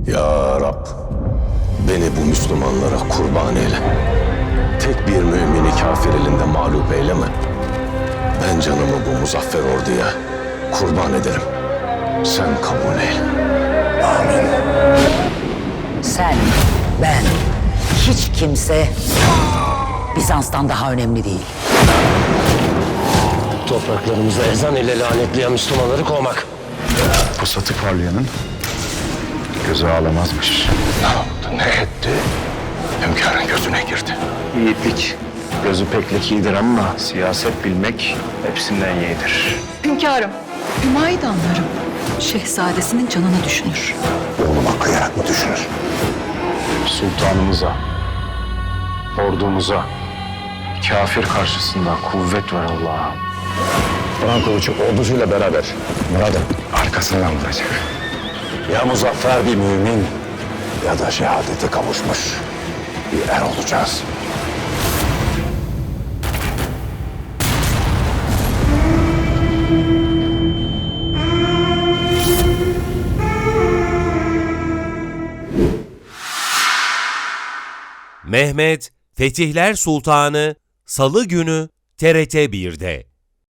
Ya Rab, beni bu Müslümanlara kurban eyle. Tek bir mümini kafir elinde mağlup eyleme. Ben canımı bu muzaffer orduya kurban ederim. Sen kabul eyle. Amin. Sen, ben, hiç kimse Bizans'tan daha önemli değil. Topraklarımıza ezan ile lanetleyen Müslümanları kovmak. Pusatı parlayanın gözü ağlamazmış. Ne yaptı, ne etti? Hünkârın gözüne girdi. Yiğitlik gözü peklik iyidir ama siyaset bilmek hepsinden yeğdir. Hünkârım, Hümayidanlarım şehzadesinin canını düşünür. Oğluma kıyarak mı düşünür? Sultanımıza, ordumuza, kafir karşısında kuvvet ver Allah'ım. Kur'an kılıcı ordusuyla beraber Murad'ın arkasından vuracak. Ya muzaffer bir mümin ya da şehadete kavuşmuş bir er olacağız. Mehmet Fetihler Sultanı Salı günü TRT 1'de.